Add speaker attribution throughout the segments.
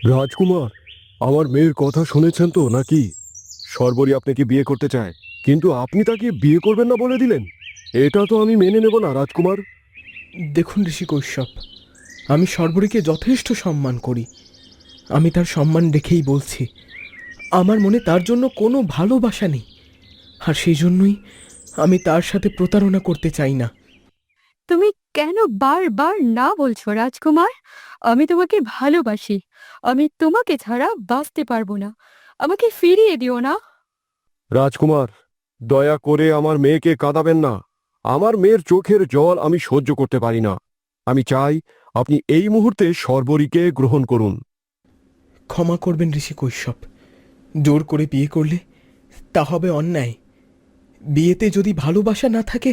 Speaker 1: রাজকুমার, আমার মেয়ের কথা শুনেছেন তো নাকি? সর্বরী আপনাকে বিয়ে করতে চায়, কিন্তু আপনি তাকে বিয়ে করবেন না বলে দিলেন। এটা তো আমি মেনে নেব না রাজকুমার।
Speaker 2: দেখুন ঋষি কৈশ্যপ, আমি সর্বরীকে যথেষ্ট সম্মান করি। আমি তার সম্মান রেখেই বলছি, আমার মনে তার জন্য কোনো ভালোবাসা নেই, আর সেই জন্যই আমি তার সাথে প্রতারণা করতে চাই না।
Speaker 3: তুমি কেন বারবার না বলছো রাজকুমার? আমি তোমাকে ভালোবাসি। আমি তোমাকে ছাড়া বাঁচতে পারবো না। আমাকে ফিরিয়ে দিও না।
Speaker 1: রাজকুমার, দয়া করে আমার মেয়েকে কাঁদাবেন না। আমার মেয়ের চোখের জল আমি সহ্য করতে পারি না। আমি চাই আপনি এই মুহূর্তে সর্বরীকে গ্রহণ করুন।
Speaker 2: ক্ষমা করবেন ঋষি কৈশ্যপ, জোর করে বিয়ে করলে তা হবে অন্যায়। বিয়েতে যদি ভালোবাসা না থাকে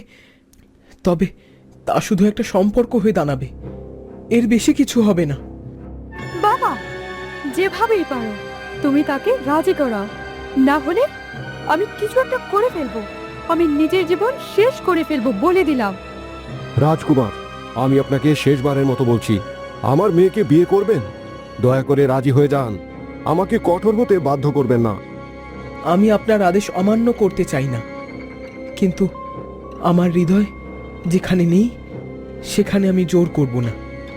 Speaker 2: তবে তা শুধু একটা সম্পর্ক হয়ে দাঁড়াবে, এর বেশি কিছু হবে না।
Speaker 3: বাবা, যেভাবেই পারো তুমি তাকে রাজি করাও, না হলে আমি কিছু একটা করে ফেলবো। আমি নিজের জীবন শেষ করে ফেলবো বলে দিলাম।
Speaker 1: রাজকুমার, আমি আপনাকে শেষবারের মতো বলছি, আমার মেয়েকে বিয়ে করবেন? দয়া করে রাজি হয়ে যান। আমাকে কঠোর হতে বাধ্য করবেন না।
Speaker 2: আমি আপনার আদেশ অমান্য করতে চাই না, কিন্তু আমার হৃদয় যেখানে নেই সেখানে আমি জোর করব না।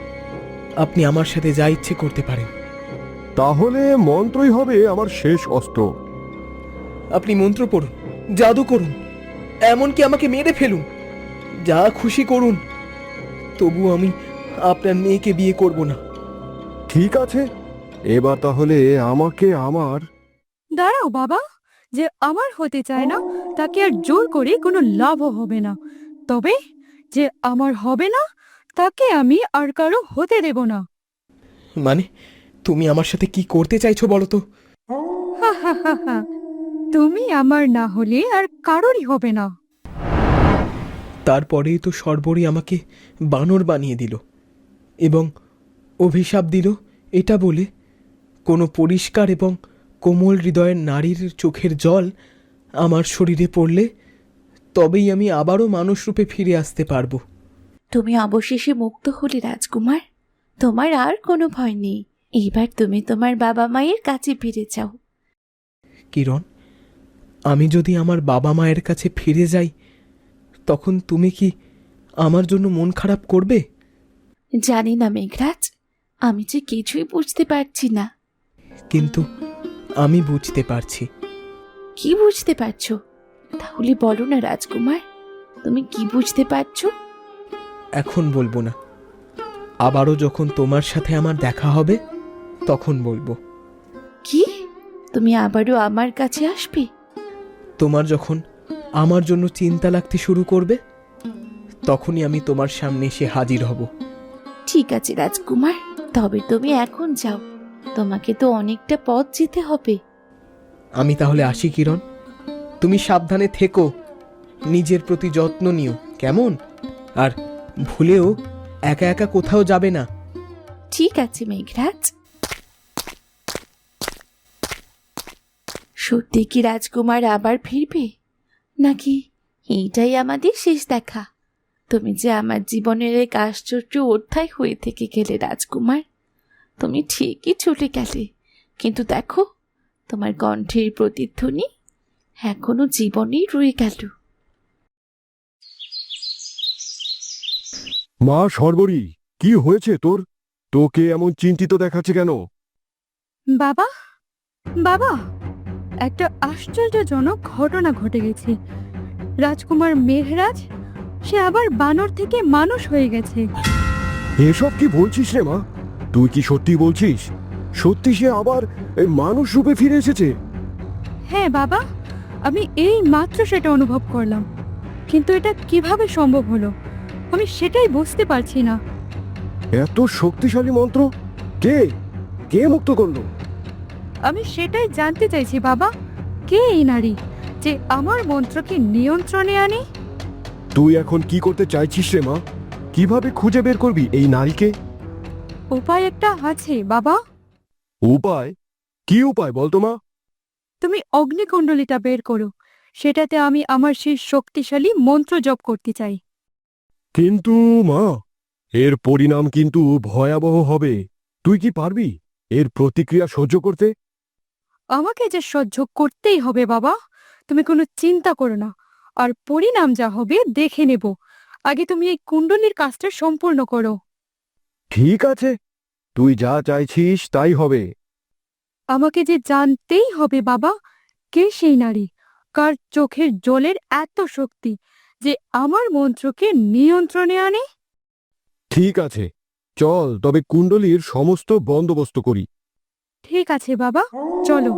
Speaker 2: আপনি আমার সাথে যা ইচ্ছে করতে পারেন।
Speaker 1: তাহলে মন্ত্রই হবে আমার শেষ অস্ত্র।
Speaker 2: আপনি মন্ত্র পড়ুন, জাদু করুন, এমনকি আমাকে মেরে ফেলুন, যা খুশি করুন, তবু আমি আপনার মেয়েকে বিয়ে করব না।
Speaker 1: ঠিক আছে, এবার তাহলে আমাকে আমার
Speaker 3: দাঁড়াও বাবা, যে আমার হতে চায় না তাকে আর জোর করে কোনো লাভও হবে না। তবে যে আমার হবে না তাকে আমি আর কারো হতে দেব না।
Speaker 2: মানে, তুমি আমার সাথে কি করতে চাইছো বলো তো?
Speaker 3: হা হা হা হা। তুমি আমার না হলে আর কারোরই হবে না।
Speaker 2: তারপরেই তো সর্বরী আমাকে বানর বানিয়ে দিল এবং অভিশাপ দিল এটা বলে, কোনো পরিষ্কার এবং কোমল হৃদয়ের নারীর চোখের জল আমার শরীরে পড়লে তবেই আমি আবারও মানুষরূপে ফিরে আসতে পারবো।
Speaker 4: তুমি অবশেষে মুক্ত হলে রাজকুমার। তোমার আর কোনো ভয় নেই। এবার তুমি তোমার বাবা মায়ের কাছে ফিরে যাও।
Speaker 2: কিরণ, আমি যদি আমার বাবা মায়ের কাছে ফিরে যাই তখন তুমি কি আমার জন্য মন খারাপ করবে?
Speaker 4: জানি না মেঘরাজ, আমি যে কিছুই বুঝতে পারছি না।
Speaker 2: কিন্তু আমি বুঝতে পারছি।
Speaker 4: কি বুঝতে পারছো? তাহলে বলো না রাজকুমার, তুমি কি বুঝতে পারছো?
Speaker 2: এখন বলবো না, আবারও যখন তোমার সাথে আমার দেখা হবে তখন বলবো।
Speaker 4: কি? তুমি আবারও আমার কাছে আসবে?
Speaker 2: তোমার যখন আমার জন্য চিন্তা লাগতে শুরু করবে তখনই আমি তোমার সামনে এসে হাজির হব।
Speaker 4: ঠিক আছে রাজকুমার, তবে তুমি এখন যাও। তোমাকে তো অনেকটা পথ যেতে হবে।
Speaker 2: আমি তাহলে আসি কিরণ, তুমি সাবধানে থেকো, নিজের প্রতি যত্ন নিও কেমন? আর ভুলেও একা একা কোথাও যাবে না।
Speaker 4: ঠিক আছে মেঘরাজ। সত্যি কি রাজকুমার আবার ফিরবে, নাকি এইটাই আমাদের শেষ দেখা? তুমি যে আমার জীবনের এক আশ্চর্য অধ্যায় হয়ে থেকে গেলে রাজকুমার। তুমি ঠিকই চলে গেলে, কিন্তু দেখো, তোমার কণ্ঠের প্রতিধ্বনি এখনো জীবনেই রয়ে গেল।
Speaker 1: মা সর্বরী, কি হয়েছে তোর? তোকে এমন চিন্তিত দেখাচ্ছে কেন?
Speaker 3: বাবা, বাবা, একটা আশ্চর্যজনক ঘটনা ঘটে গেছে। রাজকুমার মেঘরাজ, সে আবার বানর থেকে মানুষ হয়ে গেছে।
Speaker 1: এসব কি বলছিস রে মা? তুই কি সত্যি বলছিস? সত্যি সে আবার এই মানুষ রূপে ফিরে এসেছে?
Speaker 3: হ্যাঁ বাবা, আমি এই মাত্র সেটা অনুভব করলাম। কিন্তু এটা কিভাবে সম্ভব হলো আমি সেটাই বুঝতে পারছি না।
Speaker 1: এত শক্তিশালী মন্ত্র কে কে মুক্ত করলো?
Speaker 3: আমি সেটাই জানতে চাইছি বাবা, কে এই নারী যে আমার মন্ত্রকে নিয়ন্ত্রণে আনে?
Speaker 1: তুই এখন কি করতে চাইছিস রে মা? কিভাবে খুঁজে বের করবি এই নারীকে?
Speaker 3: উপায় একটা আছে বাবা।
Speaker 1: উপায়? কি উপায় বলতো মা?
Speaker 3: তুমি অগ্নিকুণ্ডলিটা বের করো, সেটাতে আমি আমার সেই শক্তিশালী মন্ত্র জপ করতে চাই।
Speaker 1: কিন্তু মা, এর পরিণাম কিন্তু ভয়াবহ হবে। তুই কি পারবি? এর প্রতিক্রিয়া সহ্য করতে?
Speaker 3: আমাকে যে সহ্য করতেই হবে বাবা, তুমি কোনো চিন্তা করো না। আর পরিণাম যা হবে দেখে নেব। আগে তুমি এই কুণ্ডলীর কাজটা সম্পূর্ণ করো।
Speaker 1: ঠিক আছে, তুই যা চাইছিস তাই হবে।
Speaker 3: আমাকে যে জানতেই হবে বাবা, কে সেই নারী, কার চোখের জলের এত শক্তি যে আমার মন্ত্রকে নিয়ন্ত্রণে আনে।
Speaker 1: ঠিক আছে, চল তবে কুণ্ডলীর সমস্ত বন্দোবস্ত করি।
Speaker 3: ঠিক আছে বাবা, চলো।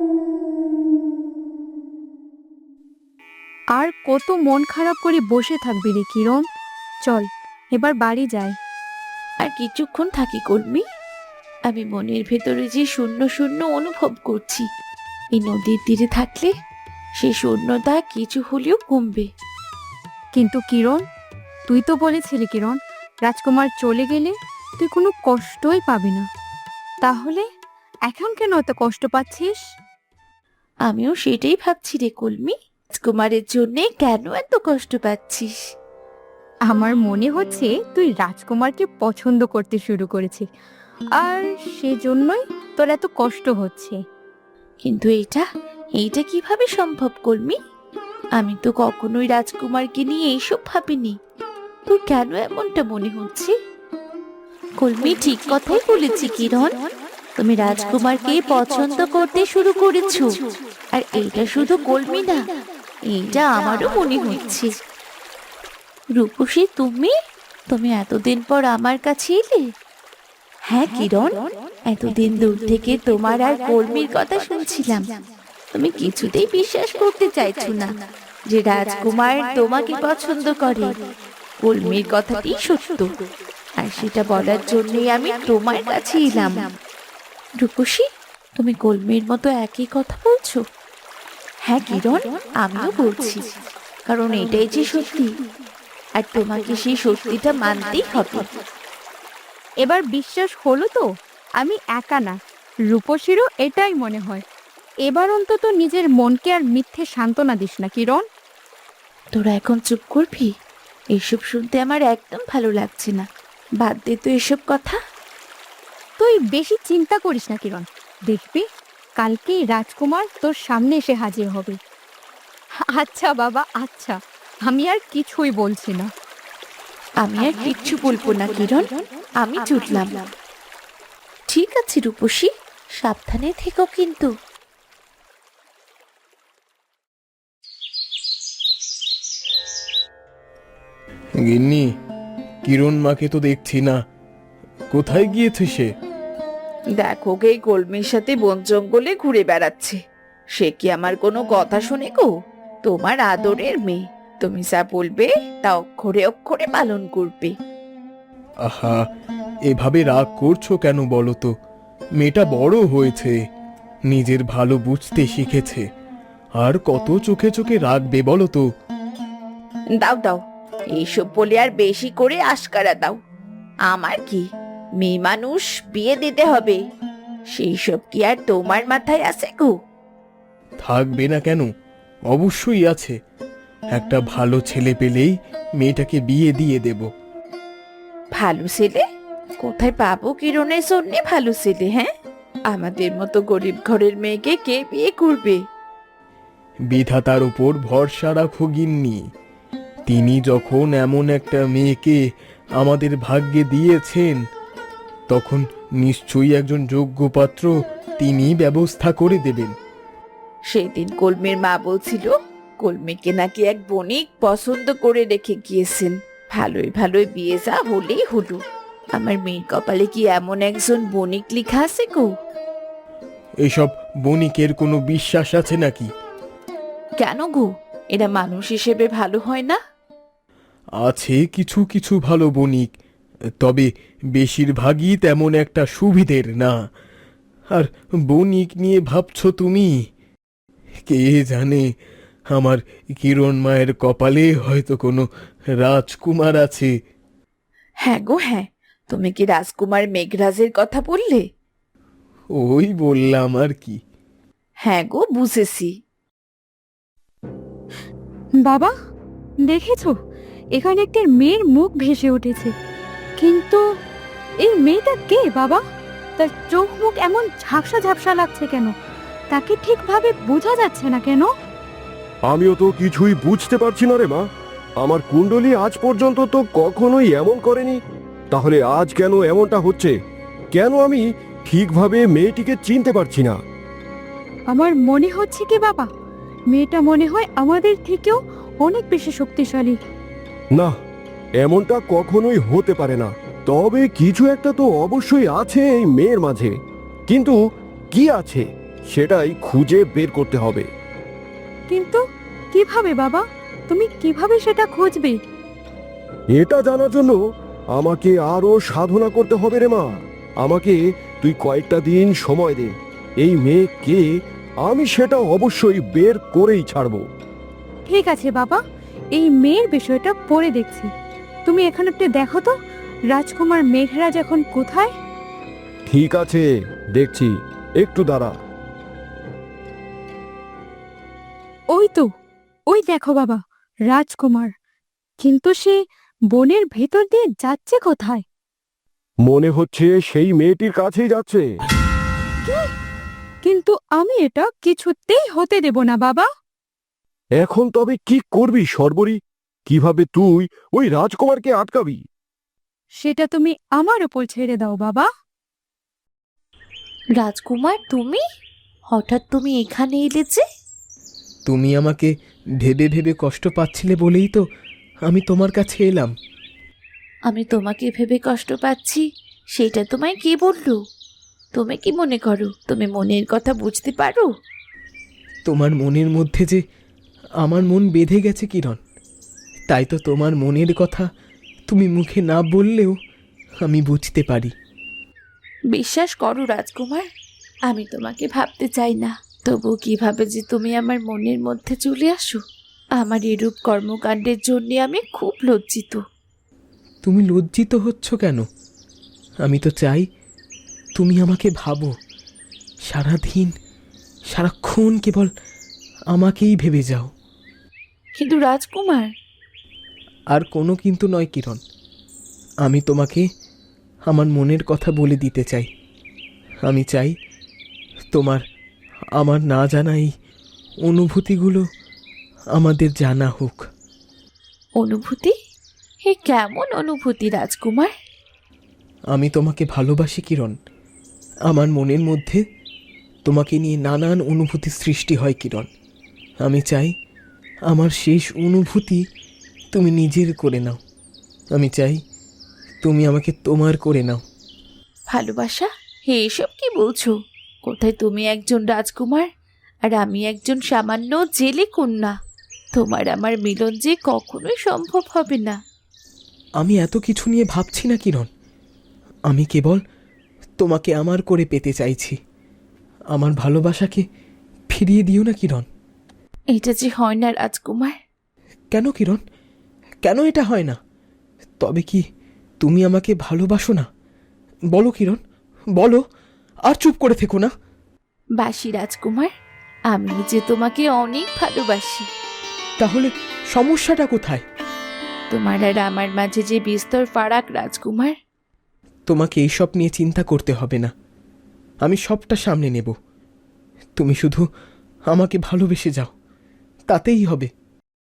Speaker 3: আর কত মন খারাপ করে বসে থাকবি রে কিরণ? চল এবার বাড়ি যাই।
Speaker 4: আর কিছুক্ষণ থাকি কর্মী। আমি মনের ভেতরে যে শূন্য শূন্য অনুভব করছি, এই নদীর তীরে থাকলে সেই শূন্যতা কিছু হলেও কমবে।
Speaker 3: কিন্তু কিরণ, তুই তো বলেছিলি কিরণ, রাজকুমার চলে গেলে তুই কোনো কষ্টই পাবি না। তাহলে এখন কেন এত কষ্ট পাচ্ছিস?
Speaker 4: আমিও সেটাই ভাবছি রে কলমি, রাজকুমারের জন্যে কেন এত কষ্ট পাচ্ছিস?
Speaker 3: আমার মনে হচ্ছে তুই রাজকুমারকে পছন্দ করতে শুরু করেছিস, আর সেজন্যই তোর এত কষ্ট হচ্ছে।
Speaker 4: কিন্তু এইটা কিভাবে সম্ভব কলমি? আমি তো কখনোই রাজকুমারকে নিয়ে এইসব ভাবিনি। তোর কেন এমনটা মনে হচ্ছে? কলমি ঠিক কথাই বলেছি কিরণ, তুমি রাজকুমারকে পছন্দ করতে শুরু করেছো। আর এইটা শুধু কলমি না, এইটা আমারও মনে হচ্ছে। রূপসী, তুমি এতদিন পর আমার কাছে এলে? হ্যাঁ কিরণ, এতদিন দূর থেকে তোমার আর কলমির কথা শুনছিলাম। তুমি কিছুতেই বিশ্বাস করতে চাইছো না যে রাজকুমার তোমাকে পছন্দ করে। কলমির কথাটি সত্য, আর সেটা বলার জন্যই আমি তোমার কাছে এলাম। রূপসী, তুমি কলমির মতো একই কথা বলছো? হ্যাঁ কিরণ, আমিও বলছি, কারণ এটাই যে সত্যি, আর তোমাকে সেই সত্যিটা মানতেই হবে।
Speaker 3: এবার বিশ্বাস হলো তো? আমি একা না, রূপসীরও এটাই মনে হয়। এবার অন্তত নিজের মনকে আর মিথ্যে সান্ত্বনা দিস না কিরণ।
Speaker 4: তোরা এখন চুপ করবি? এইসব শুনতে আমার একদম ভালো লাগছে না। বাদ দে তো এসব কথা।
Speaker 3: তুই বেশি চিন্তা করিস না কিরণ, দেখবি কালকেই রাজকুমার তোর সামনে এসে হাজির হবে। আচ্ছা বাবা, আচ্ছা, আমি আর কিছুই বলছি না।
Speaker 4: আমি আর কিচ্ছু বলবো না কিরণ, আমি চুটলাম। ঠিক আছে রূপসী, সাবধানে থেকো কিন্তু।
Speaker 2: গিন্নি, কিরণ মাকে তো দেখছি না, কোথায় গিয়েছে সে?
Speaker 5: দেখো গে, কলমির সাথে বন জঙ্গলে ঘুরে বেড়াচ্ছে। সে কি আমার কোনো কথা শুনে গো? তোমার আদরের মেয়ে, তুমি যা বলবে তা অক্ষরে অক্ষরে পালন করবে।
Speaker 2: আহা, এভাবে রাগ করছো কেন বলো তো? মেয়েটা বড় হয়েছে, নিজের ভালো বুঝতে শিখেছে, আর কত চোখে চোখে রাখবে বলো তো?
Speaker 5: দাও দাও, এইসব বলে আর বেশি করে আশকারা দাও। আমার কি, মেয়ে মানুষ, বিয়ে দিতে হবে, সেই সব কি আর তোমার মাথায় আছে গো?
Speaker 2: থাকবে না কেন? অবশ্যই আছে। একটা ভালো ছেলে পেলেই মেয়েটাকে বিয়ে দিয়ে দেব।
Speaker 5: ভালো ছেলে কোথায় পাবো কিরণের জন্য? ভালো ছেলে, হ্যাঁ? আমাদের মতো গরিব ঘরের মেয়েকে কে বিয়ে করবে?
Speaker 2: বিধাতার উপর ভরসা রাখো গিন্নি। তিনি যখন এমন একটা মেয়েকে আমাদের ভাগ্যে দিয়েছেন, তখন নিশ্চয়ই একজন যোগ্য পাত্র তিনি ব্যবস্থা করে দেবেন।
Speaker 5: সেদিন কলমির মা বলছিল কলমিকে নাকি এক বণিক পছন্দ করে রেখে গিয়েছেন। ভালোই ভালোই বিয়ে যা হলেই হলো। আমার মেয়ের কপালে কি এমন একজন বণিক লেখা আছে গো?
Speaker 2: এসব বণিকের কোনো বিশ্বাস আছে নাকি?
Speaker 5: কেন গো, এরা মানুষ হিসেবে ভালো হয় না?
Speaker 2: আছে কিছু কিছু ভালো বণিক, তবে বেশিরভাগই তেমন একটা সুবিধের না। আর বণিক নিয়ে ভাবছো তুমি? কে জানে, আমার কিরণ মায়ের কপালে হয়তো কোনো রাজকুমার আছে।
Speaker 5: হ্যাঁ গো হ্যাঁ, তুমি কি রাজকুমার মেঘরাজের কথা বললে?
Speaker 2: ওই বললাম আর কি।
Speaker 5: হ্যাঁ গো, বুঝেছি।
Speaker 3: বাবা, দেখেছো, এখানে একটা মেয়ের মুখ ভেসে উঠেছে। কিন্তু এই মেয়েটা কে বাবা? তার চোখ মুখ এমন ঝাপসা ঝাপসা লাগছে কেন? তাকে ঠিকভাবে বোঝা যাচ্ছে না কেন?
Speaker 1: আমিও তো কিছুই বুঝতে পারছি না রে মা। আমার কুণ্ডলী আজ পর্যন্ত তো কখনোই এমন করেনি। তাহলে আজ কেন এমনটা হচ্ছে? কেন আমি ঠিকভাবে মেয়েটিকে চিনতে পারছি না?
Speaker 3: আমার মনে হচ্ছে কি বাবা, মেয়েটা মনে হয় আমাদের থেকেও অনেক বেশি শক্তিশালী।
Speaker 1: না, এমনটা কখনোই হতে পারে না। তবে কিছু একটা তো অবশ্যই আছে এই মেয়ের মাঝে, কিন্তু কি আছে সেটাই খুঁজে বের করতে হবে।
Speaker 3: কিন্তু কিভাবে বাবা? তুমি কিভাবে সেটা খুঁজবে?
Speaker 1: এটা জানার জন্য আমাকে আরো সাধনা করতে হবে রে মা। আমাকে তুই কয়েকটা দিন সময় দে। এই মেয়ে কে আমি সেটা অবশ্যই বের করেই ছাড়বো।
Speaker 3: ঠিক আছে বাবা, এই মেয়ের বিষয়টা পরে দেখছি। তুমি এখানে একটু দেখো তো, রাজকুমার মেঘরাজ এখন কোথায়?
Speaker 1: ঠিক আছে, দেখছি, একটু দাঁড়া।
Speaker 3: ওই তো, ওই দেখো বাবা, রাজকুমার। কিন্তু সে বনের ভেতর দিয়ে যাচ্ছে কোথায়?
Speaker 1: মনে হচ্ছে সেই মেয়েটির কাছেই যাচ্ছে।
Speaker 3: কিন্তু আমি এটা কিছুতেই হতে দেব না বাবা।
Speaker 1: এখন তবে কি করবি সর্বরী? কিভাবে তুই ওই রাজকুমারকে আটকাবি?
Speaker 3: সেটা তুমি আমার উপর ছেড়ে দাও বাবা।
Speaker 4: রাজকুমার, তুমি হঠাৎ তুমি এখানে এলে যে?
Speaker 2: তুমি আমাকে ভেবে ভেবে কষ্ট পাচ্ছিলে বলেই তো আমি তোমার কাছে এলাম।
Speaker 4: আমি তোমাকে ভেবে কষ্ট পাচ্ছি সেটা তোমায় কে বললো? তুমি কি মনে করো তুমি মনের কথা বুঝতে পারো?
Speaker 2: তোমার মনের মধ্যে যে আমার মন বেঁধে গেছে কিরণ, তাই তো তোমার মনের কথা তুমি মুখে না বললেও আমি বুঝতে পারি।
Speaker 4: বিশ্বাস করো রাজকুমার, আমি তোমাকে ভাবতে চাই না, তবু কিভাবে যে তুমি আমার মনের মধ্যে চলে আসো, আমার এরূপ কর্মকাণ্ডের জন্য আমি খুব লজ্জিত।
Speaker 2: তুমি লজ্জিত হচ্ছ কেন? আমি তো চাই তুমি আমাকে ভাবো, সারাদিন সারাক্ষণ কেবল আমাকেই ভেবে যাও।
Speaker 4: কিন্তু রাজকুমার,
Speaker 2: আর কোনো কিন্তু নয় কিরণ, আমি তোমাকে আমার মনের কথা বলে দিতে চাই। আমি চাই তোমার আমার না জানা এই অনুভূতিগুলো আমাদের জানা হোক।
Speaker 4: অনুভূতি? হে কেমন অনুভূতি রাজকুমার?
Speaker 2: আমি তোমাকে ভালোবাসি কিরণ। আমার মনের মধ্যে তোমাকে নিয়ে নানান অনুভূতি সৃষ্টি হয় কিরণ। আমি চাই আমার শেষ অনুভূতি তুমি নিজের করে নাও। আমি চাই তুমি আমাকে তোমার করে নাও।
Speaker 4: ভালোবাসা? হে এসব কি বলছো? কোথায় তুমি একজন রাজকুমার আর আমি একজন সামান্য জেলে কন্যা। তোমার আমার মিলন যে কখনোই সম্ভব হবে না।
Speaker 2: আমি এত কিছু নিয়ে ভাবছি না কিরণ, আমি কেবল তোমাকে আমার করে পেতে চাইছি। আমার ভালোবাসাকে ফিরিয়ে দিও না কিরণ।
Speaker 4: এটা যে হয় না রাজকুমার।
Speaker 2: কেন কিরণ, কেন এটা হয় না? তবে কি তুমি আমাকে ভালোবাসো না? বলো কিরণ, বলো, আর চুপ করে থেকো না।
Speaker 4: বাসি রাজকুমার, আমি যে তোমাকে অনেক ভালোবাসি।
Speaker 2: তাহলে সমস্যাটা কোথায়?
Speaker 4: তোমার আর আমার মাঝে যে বিস্তর ফারাক রাজকুমার।
Speaker 2: তোমাকে এইসব নিয়ে চিন্তা করতে হবে না, আমি সবটা সামনে নেব। তুমি শুধু আমাকে ভালোবেসে যাও, তাতেই হবে।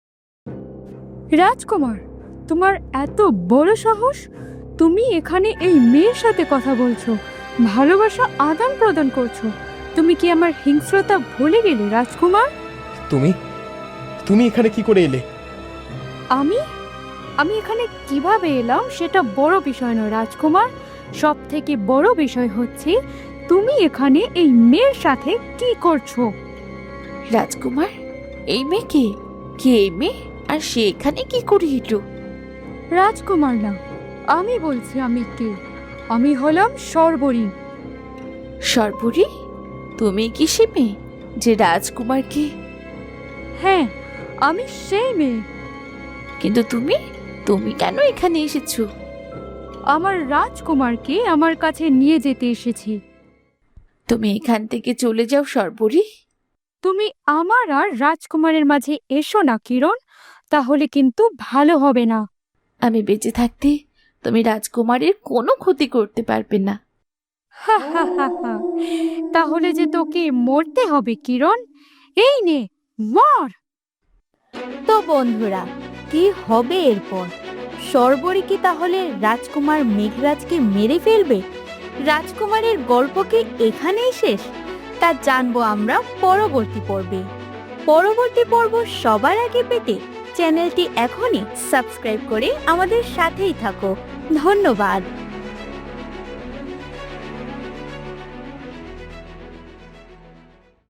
Speaker 3: রাজকুমার, তোমার এত বড় সাহস! তুমি এখানে এই মেয়ের সাথে কথা বলছো, ভালোবাসা আদান প্রদান করছো। তুমি কি আমার হিংস্রতা ভুলে গেলে রাজকুমার?
Speaker 2: তুমি তুমি এখানে কি করে এলে?
Speaker 3: আমি আমি এখানে কিভাবে এলাম সেটা বড় বিষয় নয় রাজকুমার। সব থেকে বড় বিষয় হচ্ছে তুমি এখানে এই মেয়ের সাথে কি করছো।
Speaker 4: রাজকুমার, এই মেয়ে কে? কে এই মেয়ে? আর সে এখানে কি করে এলো?
Speaker 3: রাজকুমার না, আমি বলছি আমি কে। আমি হলাম সর্বরী।
Speaker 4: সর্বরী? তুমি কি সে মেয়ে যে রাজকুমারকে?
Speaker 3: হ্যাঁ, আমি সেই মেয়ে।
Speaker 4: কিন্তু তুমি তুমি কেন এখানে এসেছো?
Speaker 3: আমার রাজকুমারকে আমার কাছে নিয়ে যেতে এসেছি।
Speaker 4: তুমি এখান থেকে চলে যাও সর্বরী।
Speaker 3: তুমি আমার আর রাজকুমারের মাঝে এসো না কিরণ, তাহলে কিন্তু ভালো হবে না।
Speaker 4: আমি বেঁচে থাকতে তুমি রাজকুমারের কোনো ক্ষতি করতে পারবে না।
Speaker 3: তাহলে যে তোকে মরতে হবে কিরণ, এই নে মর। তো বন্ধুরা, কি হবে এরপর? সর্বরী কি তাহলে রাজকুমার মেঘরাজকে মেরে ফেলবে? রাজকুমারের গল্প কি এখানেই শেষ? তা জানবো আমরা পরবর্তী পর্বে। পরবর্তী পর্ব সবার আগে পেতে চ্যানেলটি এখনই সাবস্ক্রাইব করে আমাদের সাথেই থাকো। ধন্যবাদ।